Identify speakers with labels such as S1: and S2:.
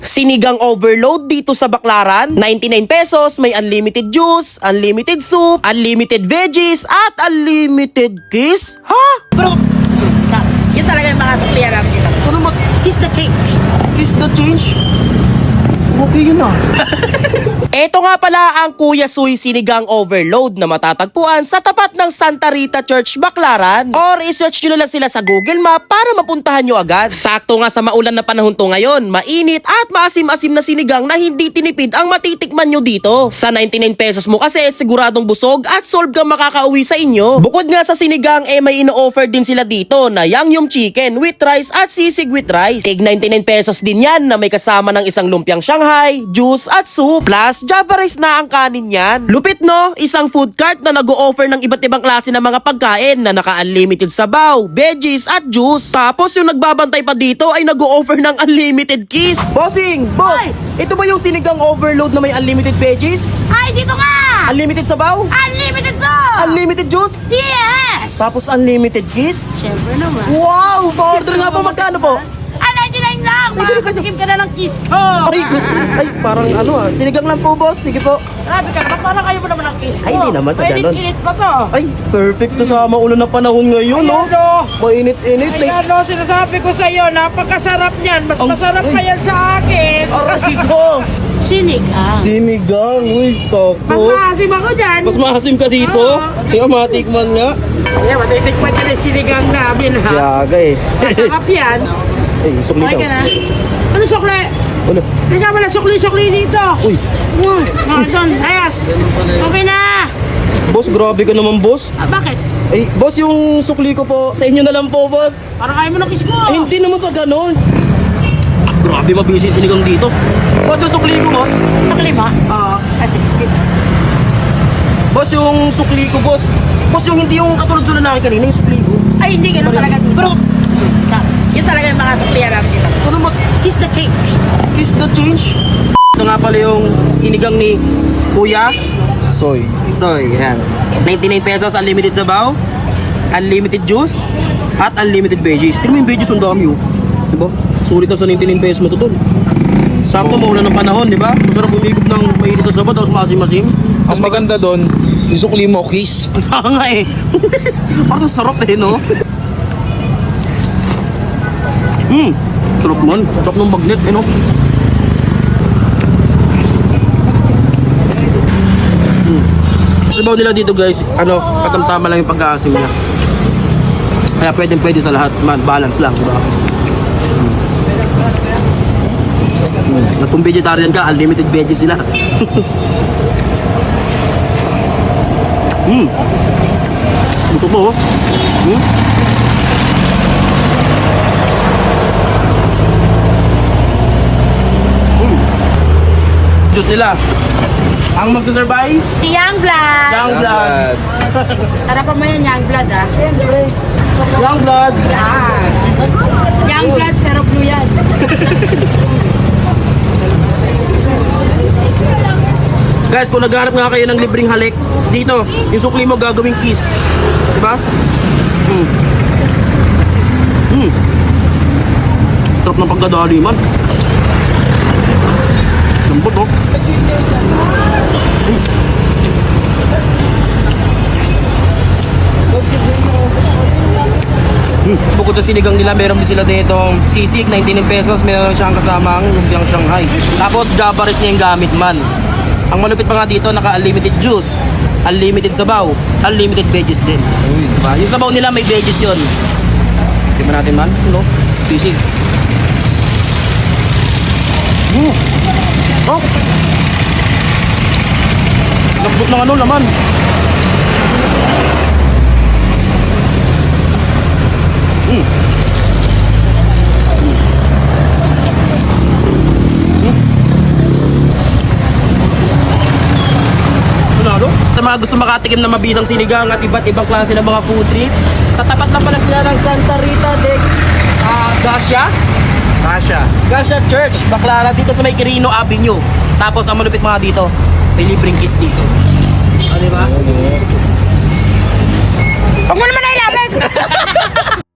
S1: Sinigang overload dito sa Baclaran, 99 pesos, may unlimited juice, unlimited soup, unlimited veggies, at unlimited kiss? Ha?
S2: Bro, yun talaga yung mga suklihan namin dito.
S1: Ano mag...
S2: Kiss the change.
S1: Is the change? Okay yun ah. Ito nga pala ang Kuya Suy Sinigang Overload na matatagpuan sa tapat ng Santa Rita Church, Baclaran. Or i-search nyo na lang sila sa Google Map para mapuntahan nyo agad. Sakto nga sa maulan na panahon to ngayon, mainit at maasim-asim na sinigang na hindi tinipid ang matitikman nyo dito. Sa 99 pesos mo kasi siguradong busog at solve kang makakauwi sa inyo. Bukod nga sa sinigang may ino-offer din sila dito na Yangyum Chicken with rice at sisig with rice. Tig 99 pesos din yan na may kasama ng isang lumpiang Shanghai, juice at soup. Plus, Java rice na ang kanin yan. Lupit no? Isang food cart na nag-o-offer ng iba't ibang klase ng mga pagkain na naka-unlimited sabaw, veggies at juice. Tapos yung nagbabantay pa dito ay nag-o-offer ng unlimited kiss. Bossing! Boss!
S2: Ay!
S1: Ito ba yung sinigang overload na may unlimited veggies?
S2: Ay, dito nga!
S1: Unlimited sabaw?
S2: Unlimited to!
S1: Unlimited juice?
S2: Yes!
S1: Tapos unlimited kiss?
S2: Siyempre naman.
S1: Wow! Pa-order nga po, magkano po?
S2: 99 lang!
S1: 99 pesos.
S2: Makakasikim ka na ng kiss ko!
S1: Ay, parang ano sinigang lang po boss, sige po.
S2: Grabe ka naman, parang kayo mo naman ng kiss ko.
S1: Ay, hindi naman sa ganun.
S2: Mainit-init pa to.
S1: Ay, perfect to sa maulan na panahon ngayon, no?
S3: Ano?
S1: Mainit-init.
S3: Ayan o, sinasabi ko sa iyo, napakasarap niyan. Mas
S1: Ang-
S3: masarap pa yan sa akin.
S1: Aray ko!
S2: Sinigang.
S1: Sinigang, uy,
S3: Mas
S1: sakto.
S3: maasim ako dyan.
S1: Mas maasim ka dito? Sige, matikman nga.
S3: Ayan, matitikman ka na yung sinigang namin ha.
S1: Yaga eh.
S3: Masarap yan.
S1: Ay, sukli
S2: Okay
S1: daw.
S2: ka na.
S3: Ano sukli?
S1: Ano?
S3: Teka mo na sukli-sukli dito.
S1: Uy,
S3: Uy, mga doon. Ayos. Okay na.
S1: boss, grabe ka naman, boss.
S2: Bakit?
S1: Ay, boss, yung sukli ko po, sa inyo na lang po, boss.
S2: Parang kayo mo ng kiss ko.
S1: Ay, hindi naman sa ganon. Grabe, mabisi sinigang dito. Boss, yung sukli ko, boss.
S2: Nakalima?
S3: Kasi,
S1: Boss, yung sukli ko, boss. Boss, yung hindi yung katulad sa lalaki kanina, yung sukli ko.
S2: Ay, hindi ganun talaga.
S1: Pero,
S2: Yun talaga yung mga suklihan namin dito.
S1: ano mag...
S2: Kiss the change.
S1: Is the change? Ito nga pala yung sinigang ni Kuya Soy. Soy, yan. 99 pesos, unlimited sabaw, unlimited juice, at unlimited veggies. Tingnan mo yung veggies, ang dami oh. Diba? Sulit na sa 99 pesos mo to tol. Sakto maulan ng panahon, di ba? Masarap umigop ng mainit na sabaw, tapos maasim-asim.
S4: Ang maganda doon, yung sukli mo, kiss.
S1: Kaya nga eh. Parang sarap eh, no? Sarap man. Sarap ng magnet eh, no? Sabaw nila dito guys, katamtama lang yung pagkaasim niya. Kaya pwede sa lahat, man, balance lang, di ba? At kung vegetarian ka, unlimited veggies sila. Ito po, oh. Diyos nila. Ang magsasurvive,
S2: Young blood.
S1: young blood.
S2: Sarapan mo yan, young blood ah.
S1: Young blood.
S2: Yan. Young blood pero blue yan.
S1: Guys, kung naghahanap nga kayo ng libreng halik, dito, yung sukli mo gagawing kiss. Diba? Sarap ng pagdadali man. Lambot oh. Bukod sa sinigang nila, meron din sila dito sisig, 99 pesos, meron siyang kasamang lumpiang Shanghai. Tapos Java rice niya yung gamit man. Ang malupit pa nga dito, naka-unlimited juice, unlimited sabaw, unlimited veggies din. Diba? Yung sabaw nila may veggies yun. Tingnan natin man, no? Sisig. Oh! Lambot ng laman. Sa mga gusto makatikim na mabisang sinigang at iba't ibang klase ng mga food trip, sa tapat lang pala sila ng Santa Rita de Gasha Church, Baclaran, dito sa may Quirino Avenue. Tapos ang malupit mga dito, may libreng kiss dito. Diba?
S2: Huwag mo naman na ilapit!